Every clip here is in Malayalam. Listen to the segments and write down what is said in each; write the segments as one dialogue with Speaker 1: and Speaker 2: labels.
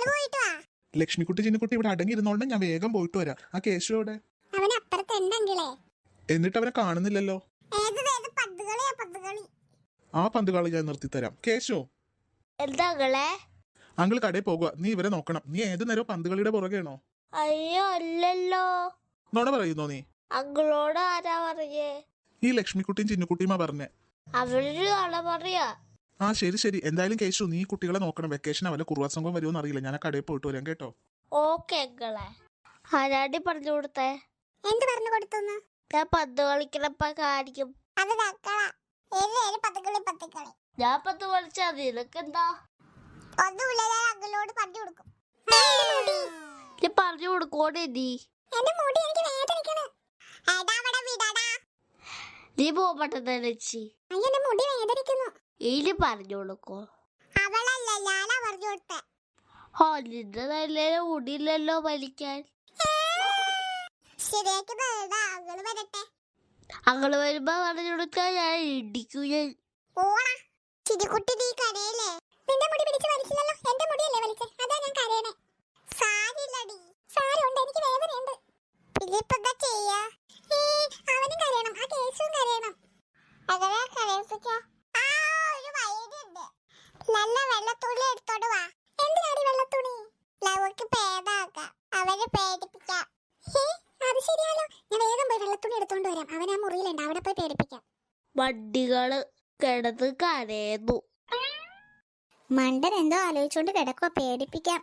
Speaker 1: ലക്ഷ്മിക്കുട്ടി ചിന്നുകുട്ടി ഇവിടെ അടങ്ങിയിരുന്നോണ്ട് ഞാൻ വേഗം പോയിട്ട് വരാം. ആ കേശുവിടെ? എന്നിട്ട് അവനെ കാണുന്നില്ലല്ലോ. ആ പന്തുകളി ഞാൻ നിർത്തിത്തരാം. കേശു, അങ്കിൾ കടയിൽ പോകുക. നീ ഇവരെ നോക്കണം. നീ ഏത് നേരം പന്തുകളിയുടെ പുറകെയാണോ?
Speaker 2: അയ്യോ അല്ലല്ലോ.
Speaker 1: നോണ പറയുന്നോ നീ?
Speaker 2: അങ്കിളോട് ആരാ പറയേ?
Speaker 1: ഈ ലക്ഷ്മിക്കുട്ടിയും ചിന്നുകുട്ടിയുമാ പറഞ്ഞേ.
Speaker 2: അവര് ആളെ പറയാ.
Speaker 1: ആ ശരി ശരി. എന്തായാലും കേശു, നീ കുട്ടികളെ നോക്കണം. വെക്കേഷൻ അവരെ കുറുവാ സംഘം വരുമോന്ന് അറിയില്ല. ഞാൻ ആ കടയിൽ പോയിട്ട് വരാം കേട്ടോ.
Speaker 2: ഓക്കെ അങ്കിളെ. ആരാടി പറഞ്ഞു കൊടുത്തേ?
Speaker 3: എന്ത് പറഞ്ഞു കൊടുത്തു?
Speaker 2: ഞാൻ പന്ത് കളിക്കണപ്പ കാണിക്കും. ഞാൻ പന്ത് കളിച്ചാ നിനക്ക് എന്താ? പറഞ്ഞു കൊടുക്കോടെ നീ. നീ പോകട്ടെ ലച്ചി. ഇനി പറഞ്ഞു കൊടുക്കോ? ഓ നിന്റെ നല്ല മുടിയില്ലല്ലോ വലിക്കാൻ. അങ്ങള് വരുമ്പോ പറഞ്ഞു കൊടുക്കാൻ ഞാൻ ഇടിക്കും.
Speaker 3: നിന്റെ മുടി പിടിച്ച് വലിച്ചില്ലല്ലോ. എന്റെ മുടിയല്ലേ വലിച്ചേ? അതാ ഞാൻ കരയണേ. സാരില്ലടി. സാരമുണ്ട്, എനിക്ക് വേദനയുണ്ട്. പിന്നെന്താ ചെയ്യാ? അവനും കരയണം, ആ കേസും കരയണം. നല്ല വെള്ളത്തുണി എടുത്തോണ്ട് വാ. എന്തിനാടി വെള്ളത്തുണി? ലവക്ക് പേടാക്കാം, അവനെ പേടിപ്പിക്കാം. അത് ശരിയാലോ. ഞാൻ വേഗം പോയി വെള്ളത്തുണി എടുത്തോണ്ട് വരാം. അവൻ ആ മുറിയിലുണ്ട്, അവിടെ പോയി പേടിപ്പിക്കാം.
Speaker 2: വണ്ടികള് കിടന്ന് കരയുന്നു.
Speaker 3: മണ്ടൻ എന്തോ ആലോചിച്ചോണ്ട് കിടക്കുക. പേടിപ്പിക്കാം.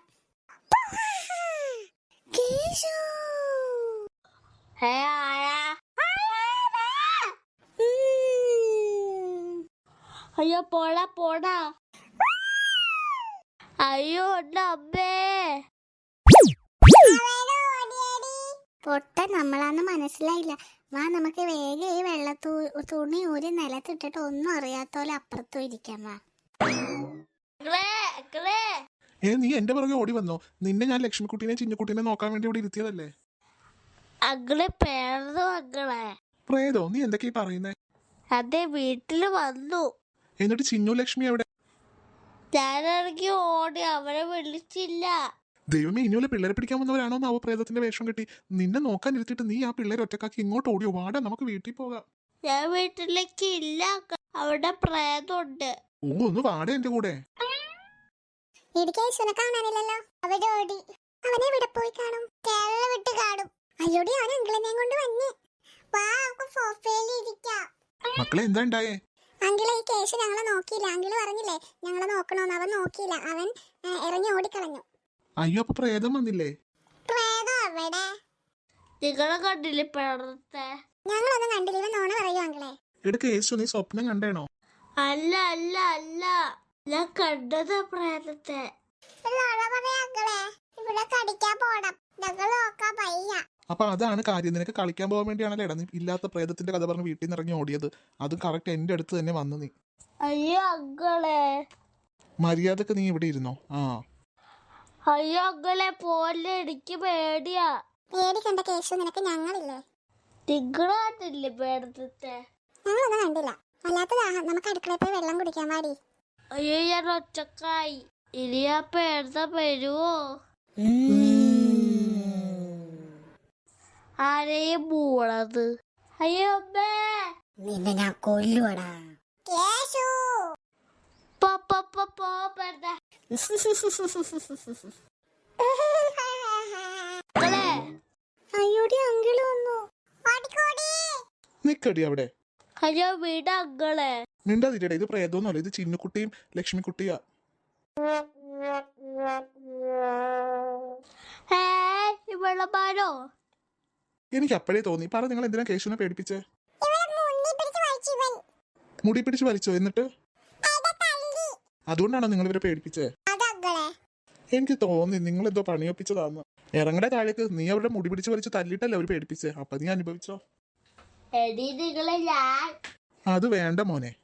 Speaker 2: അയ്യോ പോടാ പോടാ. അയ്യോ അമ്മേ.
Speaker 3: പൊട്ട നമ്മളാന്ന് മനസ്സിലായില്ല. വാ നമുക്ക് വേഗം ഈ തുണി ഊരി നിലത്തിട്ടിട്ട് ഒന്നും അറിയാത്തോലെ അപ്പുറത്തും ഇരിക്കാം. വാ.
Speaker 1: നീ എന്റെ പുറകെ ഓടി വന്നോ? നിന്നെ ഞാൻ ലക്ഷ്മിക്കുട്ടീനെ ചിന്നുകുട്ടീനെ നോക്കാൻ വേണ്ടി ഇവിടെ ഇരുത്തിയതല്ലേ.
Speaker 2: അങ്ങളെ പേർന്നു. അങ്ങളെ
Speaker 1: പ്രേതോ? നീ എന്തൊക്കെയാ പറയുന്നേ?
Speaker 2: അതെ, വീട്ടില് വന്നു.
Speaker 1: എന്നിട്ട് ചിന്നു ലക്ഷ്മി എവിടെ?
Speaker 2: ഞാനിറങ്ങി ഓടി, അവരെ വിളിച്ചില്ല.
Speaker 1: ദൈവമേ, ഇനിയുള്ള പിള്ളേരെ പിടിക്കാൻ വന്നവരാണോ നാവോ പ്രേതത്തിന്റെ വേഷം കെട്ടി? നിന്നെ നോക്കാൻ ഇരുത്തിട്ട് നീ ആ പിള്ളേരെ ഒറ്റക്കാക്കി ഇങ്ങോട്ട് ഓടിയോ? വാടാ, നമുക്ക് വീട്ടിൽ പോകാം.
Speaker 2: ഞാൻ വീട്ടിലേക്ക് ഇല്ല, അവിടെ പ്രേതമുണ്ട്.
Speaker 1: ഓ, ഒന്ന് വാടേ എന്റെ കൂടെ.
Speaker 3: കാണാനില്ലല്ലോ. അവനെ ഓടി. അവനെ ഇവിടെ പോയി കാണും. കേരള വിട്ട് കാണും. അയ്യോടി, അവൻ അങ്കിളിനെ കൊണ്ട് വന്ന്. വാ, നമുക്ക് സോഫയിൽ ഇരിക്കാം.
Speaker 1: മക്കളെ, എന്താ ഉണ്ടായേ?
Speaker 3: അങ്കിളെ, ഈ കേസ് ഞങ്ങളെ നോക്കിയില്ല. അങ്കിള് പറഞ്ഞില്ലേ ഞങ്ങളെ നോക്കണോന്ന്. അവൻ നോക്കിയില്ല. അവൻ ഇറങ്ങി ഓടിക്കളഞ്ഞു.
Speaker 1: അയ്യോ, അപ്പൊ പ്രേതം വന്നില്ലേ?
Speaker 3: പ്രേതം അവിടെ?
Speaker 2: നിങ്ങളെ കണ്ടില്ലേ പ്രേതത്തെ?
Speaker 3: ഞങ്ങളൊന്നും കണ്ടില്ല. ഇവൻ നോണ പറയൂ അങ്കിളെ.
Speaker 1: എടുക്ക യേശു, നീ സ്വപ്നം കണ്ടേണോ?
Speaker 2: അല്ല അല്ല അല്ല, ഞാൻ കണ്ടത് പ്രേതത്തെ.
Speaker 3: ഇവിടെ കടിക്കാൻ പോണം. ഞങ്ങൾ നോക്കാൻ വയ്യ.
Speaker 1: അപ്പൊ അതാണ് കാര്യം. നിനക്ക് കളിക്കാൻ പോകാൻ വേണ്ടിയാണല്ലോ നീ ഇല്ലാത്ത പ്രേതത്തിന്റെ കഥ പറഞ്ഞ് വീട്ടിൽ നിന്ന് ഇറങ്ങി ഓടിയത്. അത് കറക്റ്റ് എന്റെ അടുത്ത് തന്നെ വന്നു നീ.
Speaker 2: അയ്യോ അങ്കളെ,
Speaker 1: മര്യാദക്ക് നീ ഇവിടെ ഇരുന്നോ.
Speaker 2: അയ്യോ അങ്കളെ പോലെ, എനിക്ക് പേടിയാ.
Speaker 3: പേടിക്കണ്ട കേശു, നിനക്ക് ഞങ്ങളില്ലേ.
Speaker 2: നിങ്ങള് കണ്ടില്ലേ പ്രേതത്തെ?
Speaker 3: ഞങ്ങളൊന്നും കണ്ടില്ല. അല്ലാത്തതാ, നമുക്ക് അടുക്കളയിൽ പോയി വെള്ളം കുടിക്കാൻ പാടി.
Speaker 2: അയ്യോ, ഞാൻ ഒറ്റക്കായി. ഇനി ആ പ്രേതം വരുവോ? ആരെയും മൂളത്. അയ്യോ അമ്മേ,
Speaker 3: നിന്നെ ഞാൻ കൊല്ലുവടാ. അയ്യോടി, അങ്കിള് വന്നു.
Speaker 1: നിക്കടി അവിടെ.
Speaker 2: അയ്യോ വീട് അങ്കളെ.
Speaker 1: മിണ്ടാതിരടെ, ഇത് പ്രേതമൊന്നുമല്ല. ഇത് ചിന്നുകുട്ടിയും ലക്ഷ്മിക്കുട്ടിയാ.
Speaker 2: വെള്ളമാരോ?
Speaker 1: എനിക്ക് അപ്പോഴേ തോന്നി. പറ, നിങ്ങൾ എന്തിനാ കേശുവിനെ പേടിപ്പിച്ചേ? മുടി പിടിച്ച് വലിച്ചോ? എന്നിട്ട് അതുകൊണ്ടാണോ നിങ്ങൾ ഇവരെ പേടിപ്പിച്ചേ? എനിക്ക് തോന്നി നിങ്ങൾ എന്തോ പണിയൊപ്പിച്ചതാന്ന്. ഇറങ്ങടെ താഴേക്ക്. നീ അവരുടെ മുടി പിടിച്ച് വലിച്ച് തല്ലിട്ടല്ലേ അവർ പേടിപ്പിച്ചേ. അപ്പൊ നീ അനുഭവിച്ചോ?
Speaker 2: എടി നിങ്ങളെ ഞാൻ.
Speaker 1: അത് വേണ്ട മോനെ.